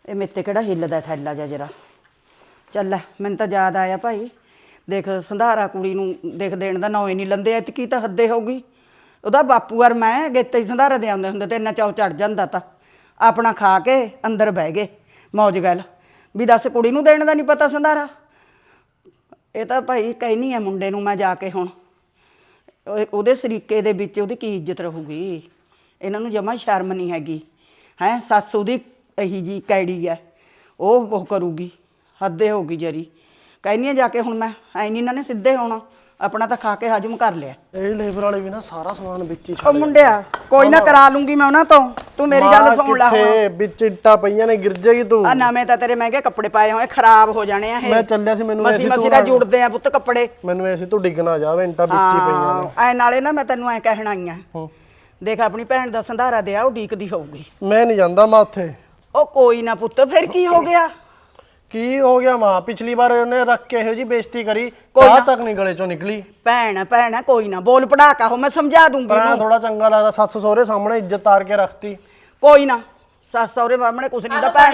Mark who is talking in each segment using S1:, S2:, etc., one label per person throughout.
S1: ਇਹ ਮੇਤੇ ਕਿਹੜਾ ਹਿੱਲਦਾ ਥੈਲਾ ਜਾ ਜਰਾ। ਚੱਲ ਲੈ ਮੈਨੂੰ ਤਾਂ ਯਾਦ ਆਇਆ ਭਾਈ, ਦੇਖ ਸੰਧਾਰਾ ਕੁੜੀ ਨੂੰ ਦੇਖ ਦੇਣ ਦਾ ਨਾਂ ਹੀ ਨਹੀਂ ਲੰਦੇ, ਐਤਕੀ ਤਾਂ ਹੱਦੇ ਹੋਊਗੀ। ਉਹਦਾ ਬਾਪੂ ਔਰ ਮੈਂ ਗੇਤੇ ਹੀ ਸੰਧਾਰਾ ਦੇ ਆਉਂਦੇ ਹੁੰਦੇ ਤੇ ਇੰਨਾ ਚਾਅ ਚੜ ਜਾਂਦਾ ਤਾਂ ਆਪਣਾ ਖਾ ਕੇ ਅੰਦਰ ਬਹਿ ਗਏ ਮੌਜ ਗੱਲ ਵੀ ਦੱਸ ਕੁੜੀ ਨੂੰ ਦੇਣ ਦਾ ਨਹੀਂ ਪਤਾ ਸੰਧਾਰਾ। ਇਹ ਤਾਂ ਭਾਈ ਕਹਿਨੀ ਆ ਮੁੰਡੇ ਨੂੰ ਮੈਂ ਜਾ ਕੇ ਹੁਣ ਉਹਦੇ ਸਰੀਕੇ ਦੇ ਵਿੱਚ ਉਹਦੀ ਕੀ ਇੱਜ਼ਤ ਰਹੂਗੀ। ਇਹਨਾਂ ਨੂੰ ਜਮਾਂ ਸ਼ਰਮ ਨਹੀਂ ਹੈਗੀ ਹੈ। ਸੱਸ ਉਹਦੀ ਇਹੀ ਜੀ ਕੈੜੀ ਹੈ, ਉਹ ਕਰੂਗੀ ਹੱਦੇ ਹੋਊਗੀ ਜਰੀ। ਕਹਿੰਦੀ ਆ ਜਾ ਕੇ ਹੁਣ ਮੈਂ ਐ ਨਹੀਂ ਇਹਨਾਂ ਨੇ ਸਿੱਧੇ ਹੋਣਾ, ਆਪਣਾ ਤਾਂ ਖਾ ਕੇ ਹਜਮ ਕਰ ਲਿਆ।
S2: ਇਹ ਲੇਬਰ ਵਾਲੇ ਵੀ ਨਾ ਸਾਰਾ ਸਮਾਨ ਵਿੱਚ ਹੀ
S1: ਉਹ ਮੁੰਡਿਆ ਕੋਈ ਨਾ ਕਰਾ ਲੂੰਗੀ ਮੈਂ ਉਹਨਾਂ ਤੋਂ, ਤੂੰ ਮੇਰੀ ਗੱਲ ਸੁਣ ਲੈ ਹੁਣ।
S2: ਵਿੱਚ ਇੱਟਾਂ ਪਈਆਂ ਨੇ ਗਿਰ ਜਾਏਗੀ ਤੂੰ।
S1: ਆ ਨਵੇਂ ਤਾਂ ਤੇਰੇ ਮਹਿੰਗੇ ਕੱਪੜੇ ਪਾਏ ਹੋਏ ਖਰਾਬ ਹੋ ਜਾਣੇ ਆ ਇਹ।
S2: ਮੈਂ ਚੱਲਿਆ ਸੀ, ਮੈਨੂੰ
S1: ਮਸੀ ਮਸੀ ਦਾ ਜੁੜਦੇ ਆ ਪੁੱਤ ਕੱਪੜੇ।
S2: ਮੈਨੂੰ ਐਸੀ ਤੂੰ ਡਿੱਗ ਨਾ ਜਾਵੇ, ਇੰਟਾਂ ਵਿੱਚ ਹੀ ਪਈਆਂ ਨੇ।
S1: ਐ ਨਾਲੇ ਨਾ ਮੈਂ ਤੈਨੂੰ ਐ ਕਹਿਣ ਆਈ ਆ, ਦੇਖ ਆਪਣੀ ਭੈਣ ਦਾ ਸੰਧਾਰਾ ਦਿਆ ਉਹ ਡੀਕਦੀ ਹੋਊਗੀ।
S2: ਮੈਂ ਨਹੀਂ ਜਾਂਦਾ ਮਾਂ ਉੱਥੇ।
S1: ਉਹ ਕੋਈ ਨਾ ਪੁੱਤ ਫਿਰ ਕੀ ਹੋ ਗਿਆ?
S2: ਕੀ ਹੋ ਗਿਆ ਮਾਂ? ਪਿਛਲੀ ਵਾਰ ਉਹਨੇ ਰੱਖ ਕੇ ਇਹੋ ਜੀ ਬੇਇੱਜ਼ਤੀ ਕਰੀ, ਚਾਹ ਤੱਕ ਨਹੀਂ ਗਲੇ ਚੋਂ ਨਿਕਲੀ।
S1: ਭੈਣ ਕੋਈ ਨਾ ਬੋਲ ਪੜਾਕਾ ਹੋ, ਮੈਂ ਸਮਝਾ ਦੂੰਗੀ।
S2: ਪਰ ਥੋੜਾ ਚੰਗਾ ਲੱਗਦਾ, ਸੱਸ ਸਹੁਰੇ ਸਾਹਮਣੇ ਇੱਜ਼ਤ ਤਾਰ ਕੇ ਰੱਖਤੀ।
S1: ਕੋਈ ਨਾ ਸੱਸ ਸਹੁਰੇ ਸਾਹਮਣੇ ਕੁਛ ਨਹੀਂ ਦਾ, ਭੈਣ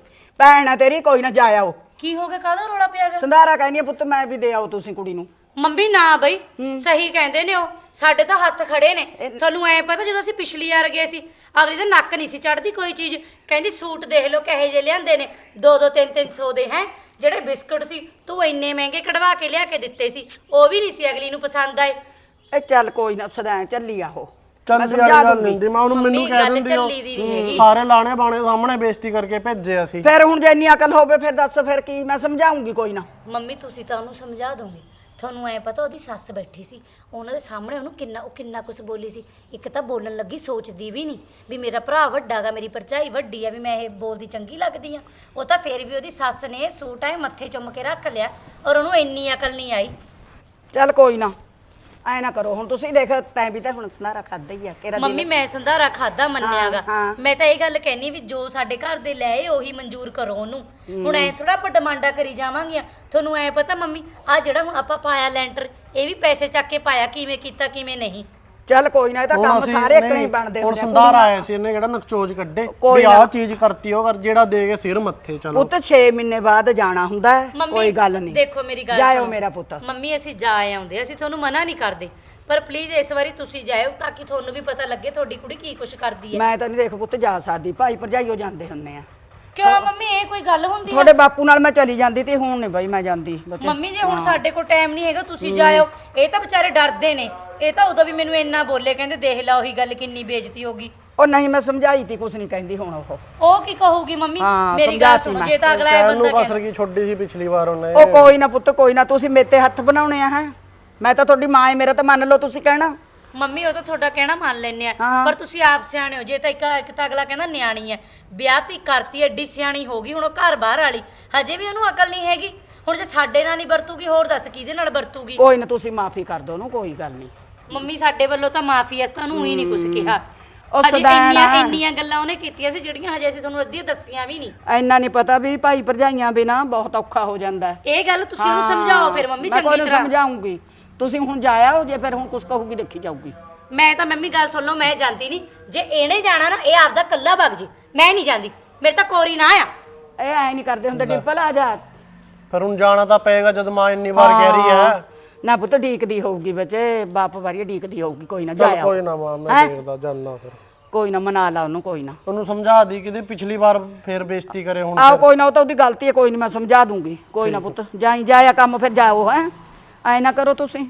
S1: ਆ ਤੇਰੀ ਕੋਈ ਨਾ ਜਾ ਆਓ।
S3: ਕੀ ਹੋ ਗਿਆ, ਕਾਹਦਾ ਰੋਲਾ ਪਿਆ ਗਾ?
S1: ਸੰਧਾਰਾ ਕਹਿੰਦੀ ਆ ਪੁੱਤ ਮੈਂ ਵੀ ਦੇ ਆਓ ਤੁਸੀਂ ਕੁੜੀ ਨੂੰ।
S3: ਮੰਮੀ ਨਾ ਬਈ ਸਹੀ ਕਹਿੰਦੇ ਨੇ, ਉਹ ਸਾਡੇ ਤਾਂ ਹੱਥ ਖੜੇ ਨੇ। ਤੁਹਾਨੂੰ ਐ ਪਤਾ ਜਦੋਂ ਅਸੀਂ ਪਿਛਲੀ ਵਾਰ ਗਏ ਸੀ ਅਗਲੀ ਦਾ ਨੱਕ ਨਹੀਂ ਸੀ ਚੜਦੀ ਕੋਈ ਚੀਜ਼। ਕਹਿੰਦੀ ਸੂਟ ਦੇਖ ਲਓ ਕਹੇ ਜੇ ਲਿਆਂਦੇ ਨੇ 2-2 3-300 ਦੇ ਹੈ। ਜਿਹੜੇ ਬਿਸਕੁਟ ਸੀ ਤੂੰ ਇੰਨੇ ਮਹਿੰਗੇ ਕਢਵਾ ਕੇ ਲਿਆ ਕੇ ਦਿੱਤੇ ਸੀ, ਉਹ ਵੀ ਨਹੀਂ ਸੀ ਅਗਲੀ ਨੂੰ ਪਸੰਦ ਆਏ।
S1: ਇਹ ਚੱਲ ਕੋਈ ਨਾ ਸਦਾ ਚੱਲੀ ਆਹੋ,
S2: ਚੱਲ ਸਮਝਾ ਦੂੰਗੀ ਮੈਂ ਉਹਨੂੰ। ਮੈਨੂੰ ਕਹਿ ਦਿੰਦੀ ਸਾਰੇ ਲਾਣੇ ਬਾਣੇ ਸਾਹਮਣੇ ਬੇਇੱਜ਼ਤੀ ਕਰਕੇ ਭੇਜੇ ਅਸੀਂ।
S1: ਫਿਰ ਹੁਣ ਜੇ ਇੰਨੀ ਅਕਲ ਹੋਵੇ ਫਿਰ ਦੱਸ ਫਿਰ ਕੀ ਮੈਂ ਸਮਝਾਉਂਗੀ। ਕੋਈ ਨਾ
S3: ਮੰਮੀ ਤੁਸੀਂ ਤਾਂ ਉਹਨੂੰ ਸਮਝਾ ਦੋਗੇ। ਤੁਹਾਨੂੰ ਐ ਪਤਾ ਉਹਦੀ ਸੱਸ ਬੈਠੀ ਸੀ, ਉਹਨਾਂ ਦੇ ਸਾਹਮਣੇ ਉਹਨੂੰ ਕਿੰਨਾ ਕੁਝ ਬੋਲੀ ਸੀ। ਇੱਕ ਤਾਂ ਬੋਲਣ ਲੱਗੀ ਸੋਚਦੀ ਵੀ ਨਹੀਂ ਵੀ ਮੇਰਾ ਭਰਾ ਵੱਡਾ ਗਾ, ਮੇਰੀ ਭਰਜਾਈ ਵੱਡੀ ਆ, ਵੀ ਮੈਂ ਇਹ ਬੋਲਦੀ ਚੰਗੀ ਲੱਗਦੀ ਆ। ਉਹ ਤਾਂ ਫਿਰ ਵੀ ਉਹਦੀ ਸੱਸ ਨੇ ਸੂਟ ਐ ਮੱਥੇ ਚੁੰਮ ਕੇ ਰੱਖ ਲਿਆ, ਔਰ ਉਹਨੂੰ ਇੰਨੀ ਅਕਲ ਨਹੀਂ ਆਈ।
S1: ਚੱਲ ਕੋਈ ਨਾ ਐ ਨਾ ਕਰੋ ਹੁਣ ਤੁਸੀਂ। ਦੇਖ ਤੈਂ ਵੀ ਤਾਂ ਹੁਣ ਸੰਧਾਰਾ ਖਾਦਾ ਹੀ ਆ।
S3: ਮੰਮੀ ਮੈਂ ਸੰਧਾਰਾ ਖਾਦਾ ਮੰਨਿਆਗਾ, ਮੈਂ ਤਾਂ ਇਹ ਗੱਲ ਕਹਿਨੀ ਵੀ ਜੋ ਸਾਡੇ ਘਰ ਦੇ ਲੈ ਉਹੀ ਮਨਜ਼ੂਰ ਕਰੋ ਉਹਨੂੰ। ਹੁਣ ਐ ਥੋੜਾ ਆਪਾਂ ਡਿਮਾਂਡਾਂ ਕਰੀ ਜਾਵਾਂਗੀਆਂ। ਤੁਹਾਨੂੰ ਐ ਪਤਾ ਮੰਮੀ ਆ ਜਿਹੜਾ ਹੁਣ ਆਪਾਂ ਪਾਇਆ ਲੈਂਟਰ, ਇਹ ਵੀ ਪੈਸੇ ਚੱਕ ਕੇ ਪਾਇਆ, ਕਿਵੇਂ ਕੀਤਾ ਕਿਵੇਂ ਨਹੀਂ।
S1: ਚੱਲ ਕੋਈ ਨਾ, ਇਹ ਤਾਂ ਕੰਮ ਸਾਰੇ ਇੱਕ ਨਹੀਂ ਬਣਦੇ
S2: ਹੁੰਦੇ। ਸੰਧਾਰਾ ਆਇਆ ਸੀ, ਇਹਨੇ ਕਿਹੜਾ ਨਕਚੋਜ ਕੱਢੇ ਵੀ ਆਹ ਚੀਜ਼ ਕਰਤੀ ਉਹ ਕਰ, ਜਿਹੜਾ ਦੇ ਕੇ ਸਿਰ ਮੱਥੇ। ਚਲੋ
S1: ਪੁੱਤ 6 ਮਹੀਨੇ ਬਾਅਦ ਜਾਣਾ ਹੁੰਦਾ ਹੈ, ਕੋਈ ਗੱਲ ਨਹੀਂ।
S3: ਦੇਖੋ ਮੇਰੀ ਗੱਲ
S1: ਜਾਇਓ ਮੇਰਾ ਪੁੱਤ।
S3: ਮੰਮੀ ਅਸੀਂ ਜਾ ਆਉਂਦੇ, ਅਸੀਂ ਤੁਹਾਨੂੰ ਮਨਾ ਨਹੀਂ ਕਰਦੇ, ਪਰ ਪਲੀਜ਼ ਇਸ ਵਾਰੀ ਤੁਸੀਂ ਜਾਇਓ ਤਾਂ ਕਿ ਤੁਹਾਨੂੰ ਵੀ ਪਤਾ ਲੱਗੇ ਤੁਹਾਡੀ ਕੁੜੀ ਕੀ ਕੁਛ ਕਰਦੀ ਹੈ।
S1: ਮੈਂ ਤਾਂ ਨਹੀਂ ਦੇਖ ਪੁੱਤ ਜਾ ਸਕਦੀ, ਭਾਈ ਭਰਜਾਈਓ ਜਾਂਦੇ ਹੁੰਨੇ ਆ।
S3: ਕਿਉਂ ਮੰਮੀ ਇਹ ਕੋਈ ਗੱਲ ਹੁੰਦੀ ਹੈ?
S1: ਤੁਹਾਡੇ ਬਾਪੂ ਨਾਲ ਮੈਂ ਚਲੀ ਜਾਂਦੀ ਤੇ ਹੁਣ ਨਹੀਂ ਬਾਈ ਮੈਂ ਜਾਂਦੀ।
S3: ਮੰਮੀ ਜੇ ਹੁਣ ਸਾਡੇ ਕੋਲ ਟਾਈਮ ਨਹੀਂ ਹੈਗਾ ਤੁਸੀਂ ਜਾਇਓ। ਇਹ ਤਾਂ ਵਿਚਾਰੇ ਡਰਦੇ ਨੇ, ਇਹ ਤਾਂ ਉਦੋਂ ਵੀ ਮੈਨੂੰ ਇੰਨਾ ਬੋਲੇ, ਕਹਿੰਦੇ ਦੇਖ ਲਾ ਉਹੀ ਗੱਲ ਕਿੰਨੀ ਬੇਇੱਜ਼ਤੀ ਹੋਗੀ।
S1: ਉਹ ਨਹੀਂ ਮੈਂ ਸਮਝਾਈ ਤੀ, ਕੁਛ ਨਹੀਂ ਕਹਿੰਦੀ ਹੁਣ
S3: ਉਹ ਕੀ ਕਹੂਗੀ ਮੰਮੀ? ਮੇਰੀ ਗੱਲ ਸੁਣੋ, ਜੇ ਤਾਂ ਅਗਲਾ ਇਹ ਬੰਦਾ
S2: ਕਹਿੰਦਾ ਕਸਰ ਕੀ ਛੋਡੀ ਸੀ ਪਿਛਲੀ ਵਾਰ ਉਹਨੇ।
S1: ਉਹ ਕੋਈ ਨਾ ਪੁੱਤ ਕੋਈ ਨਾ, ਤੁਸੀਂ ਮੇਤੇ ਹੱਥ ਬਣਾਉਣੇ ਆ ਹੈ। ਮੈਂ ਤਾਂ ਤੁਹਾਡੀ ਮਾਂ ਏ, ਮੇਰਾ ਤਾਂ ਮੰਨ ਲਓ ਤੁਸੀਂ ਕਹਿਣਾ।
S3: ਮੰਮੀ ਉਹ ਤਾਂ ਤੁਹਾਡਾ ਕਹਿਣਾ ਮੰਨ ਲੈਨੇ ਆ, ਪਰ ਤੁਸੀਂ ਆਪ ਸਿਆਣੇ ਹੋ। ਜੇ ਤਾਂ ਇੱਕ ਤਾਂ ਅਗਲਾ ਕਹਿੰਦਾ ਨਿਆਣੀ ਐ, ਵਿਆਹ ਤੀ ਕਰਤੀ ਐਡੀ ਸਿਆਣੀ ਹੋ ਗਈ, ਹੁਣ ਉਹ ਘਰ ਬਾਹਰ ਵਾਲੀ, ਹਜੇ ਵੀ ਉਹਨੂੰ ਅਕਲ ਨਹੀਂ ਹੈਗੀ। ਹੁਣ ਜੇ ਸਾਡੇ ਨਾਲ ਨਹੀਂ ਵਰਤੂਗੀ ਹੋਰ ਦੱਸ ਕਿਹਦੇ ਨਾਲ ਵਰਤੂਗੀ?
S1: ਕੋਈ ਨਾ ਤੁਸੀਂ ਮਾਫੀ ਕਰ ਦਿਓ ਉਹਨੂੰ, ਕੋਈ ਗੱਲ ਨਹੀਂ।
S3: ਮੰਮੀ ਸਾਡੇ ਵੱਲੋਂ ਤਾਂ ਮਾਫੀ ਐ, ਤੁਹਾਨੂੰ ਹੀ ਨਹੀਂ ਕੁਝ ਕਿਹਾ।
S1: ਹਜੇ
S3: ਇੰਨੀਆਂ ਗੱਲਾਂ ਉਹਨੇ ਕੀਤੀਆਂ ਸੀ ਜਿਹੜੀਆਂ ਹਜੇ ਅਸੀਂ ਤੁਹਾਨੂੰ ਅੱਧੀਆਂ ਦੱਸੀਆਂ ਵੀ ਨਹੀਂ।
S1: ਇੰਨਾ ਨਹੀਂ ਪਤਾ ਵੀ ਭਾਈ ਭਰਜਾਈਆਂ ਬਿਨਾ ਬਹੁਤ ਔਖਾ ਹੋ ਜਾਂਦਾ।
S3: ਇਹ ਗੱਲ ਤੁਸੀਂ ਉਹਨੂੰ ਸਮਝਾਓ ਫਿਰ ਮੰਮੀ ਚੰਗੀ ਤਰ੍ਹਾਂ।
S1: ਮੈਂ ਸਮਝਾਉਂਗੀ, ਤੁਸੀਂ ਹੁਣ ਜਾਇਆ ਜੇ ਫਿਰ ਹੁਣ ਕੁਝ ਕਹੂਗੀ ਦੇਖੀ ਜਾਊਗੀ।
S3: ਮੈਂ ਤਾਂ ਮੰਮੀ ਗੱਲ ਸੁਣ ਲਓ, ਮੈਂ ਜਾਂਦੀ ਨਹੀਂ। ਜੇ ਇਹਨੇ ਜਾਣਾ ਨਾ ਇਹ ਆਪਦਾ ਕੱਲਾ ਵਗ ਜੇ, ਮੈਂ ਨਹੀਂ ਜਾਂਦੀ। ਮੇਰੇ ਤਾਂ ਕੋਰੀ ਨਾ ਆ।
S1: ਇਹ ਐ ਨਹੀਂ ਕਰਦੇ ਹੁੰਦੇ। ਡਿੰਪਲ ਆ ਜਾ।
S2: ਫਿਰ ਹੁਣ ਜਾਣਾ ਤਾਂ ਪਏਗਾ ਜਦ ਮਾਂ ਇੰਨੀ ਵਾਰ ਕਹਿ ਰਹੀ ਹੈ।
S1: ਨਾ ਪੁੱਤ ਢੀਕਦੀ ਹੋਊਗੀ ਬੱਚੇ, ਬਾਪ ਵਾਰੀ ਢੀਕਦੀ ਹੋਊਗੀ। ਕੋਈ ਨਾ ਜਾਇਆ।
S2: ਕੋਈ ਨਾ ਮਾਂ ਮੈਂ ਦੇਖਦਾ ਜਾਨਾ। ਫਿਰ
S1: ਕੋਈ ਨਾ ਮਨਾ ਲਾ ਉਹਨੂੰ। ਕੋਈ ਨਾ
S2: ਉਹਨੂੰ ਸਮਝਾ ਦੀ ਕਿਤੇ ਪਿਛਲੀ ਵਾਰ ਫੇਰ ਬੇਇੱਜ਼ਤੀ ਕਰੇ ਹੁਣ।
S1: ਆਹ ਕੋਈ ਨਾ, ਉਹ ਤਾਂ ਉਹਦੀ ਗਲਤੀ ਹੈ, ਕੋਈ ਨਹੀਂ ਮੈਂ ਸਮਝਾ ਦੂੰਗੀ। ਕੋਈ ਨਾ ਪੁੱਤ ਜਾਇਆ ਕੰਮ ਫਿਰ ਜਾਓ ਹੈ। ਐ ਨਾ ਕਰੋ ਤੁਸੀਂ।